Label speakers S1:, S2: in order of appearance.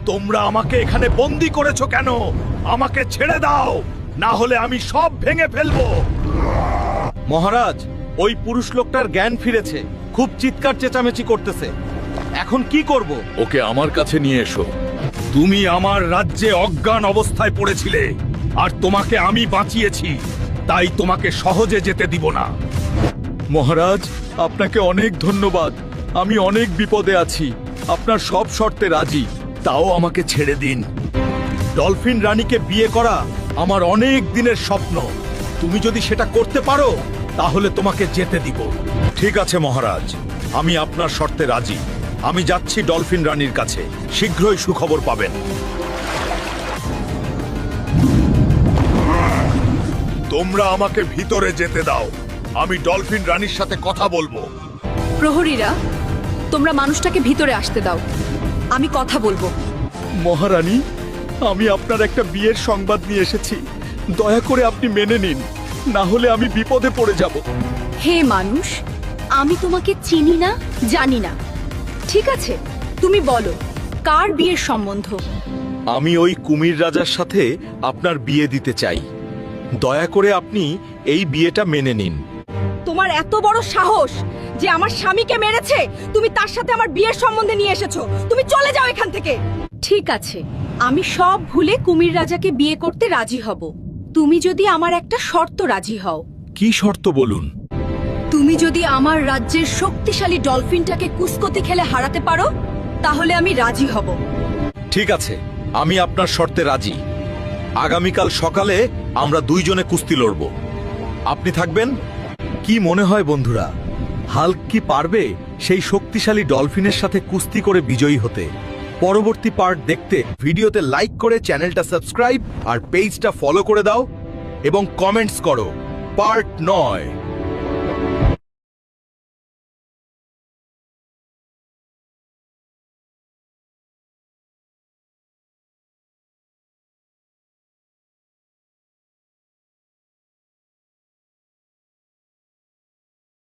S1: তোমরা আমাকে এখানে বন্দি করেছো কেন? আমাকে ছেড়ে দাও, না হলে আমি সব ভেঙে ফেলবো। মহারাজ, ওই পুরুষ লোকটার জ্ঞান ফিরেছে, খুব চিৎকার চেঁচামেচি করতেছে। এখন কি করব?
S2: ওকে আমার কাছে নিয়ে এসো।
S1: তুমি আমার রাজ্যে অজ্ঞান অবস্থায় পড়েছিলে, আর তোমাকে আমি বাঁচিয়েছি, তাই তোমাকে সহজে যেতে দিব না।
S2: মহারাজ, আপনাকে অনেক ধন্যবাদ। আমি অনেক বিপদে আছি, আপনার সব শর্তে রাজি।
S1: তাও আমাকে ছেড়ে দিন। ডলফিন রানীকে বিয়ে করা আমার অনেক দিনের স্বপ্ন। তুমি যদি সেটা করতে পারো তাহলে তোমাকে যেতে দিব। ঠিক আছে মহারাজ, আমি আপনার শর্তে রাজি। আমি যাচ্ছি ডলফিন রানীর কাছে, শীঘ্রই সুখবর পাবেন। তোমরা আমাকে ভিতরে যেতে দাও, আমি ডলফিন রানীর সাথে কথা বলবো।
S3: প্রহরীরা, তোমরা মানুষটাকে ভিতরে আসতে দাও, আমি কথা বলবো।
S2: মহারানী, আমি আপনার একটা বিয়ের সংবাদ নিয়ে এসেছি, দয়া করে আপনি মেনে নিন, না হলে আমি বিপদে পড়ে যাব।
S3: হে মানুষ, আমি তোমাকে চিনি না, জানি না। ঠিক আছে, তুমি বলো, কার বিয়ের সম্বন্ধ?
S1: আমি ওই কুমির রাজার সাথে আপনার বিয়ে দিতে চাই। দয়া করে আপনি এই বিয়েটা মেনে নিন।
S3: তোমার এত বড় সাহস যে আমার স্বামীকে মেরেছে, তুমি তার সাথে আমার বিয়ের সম্বন্ধে নিয়ে এসেছো। তুমি চলে যাও এখান থেকে। ঠিক আছে, আমি সব ভুলে কুমির রাজাকে বিয়ে করতে রাজি হব, তুমি যদি আমার একটা শর্ত রাজি হও।
S1: কি শর্ত বলুন?
S3: তুমি যদি আমার রাজ্যের শক্তিশালী ডলফিনটাকে কুস্কতি খেলে হারাতে পারো, তাহলে আমি রাজি হব।
S1: ঠিক আছে, আমি আপনার শর্তে রাজি। আগামীকাল সকালে আমরা দুইজনে কুস্তি লড়ব। আপনি থাকবেন? কি মনে হয় বন্ধুরা, হাল্ক কি পারবে সেই শক্তিশালী ডলফিনের সাথে কুস্তি করে বিজয়ী হতে? পরবর্তী পার্ট দেখতে ভিডিওতে লাইক করে চ্যানেলটা সাবস্ক্রাইব আর পেজটা ফলো করে দাও এবং কমেন্টস করো পার্ট 9।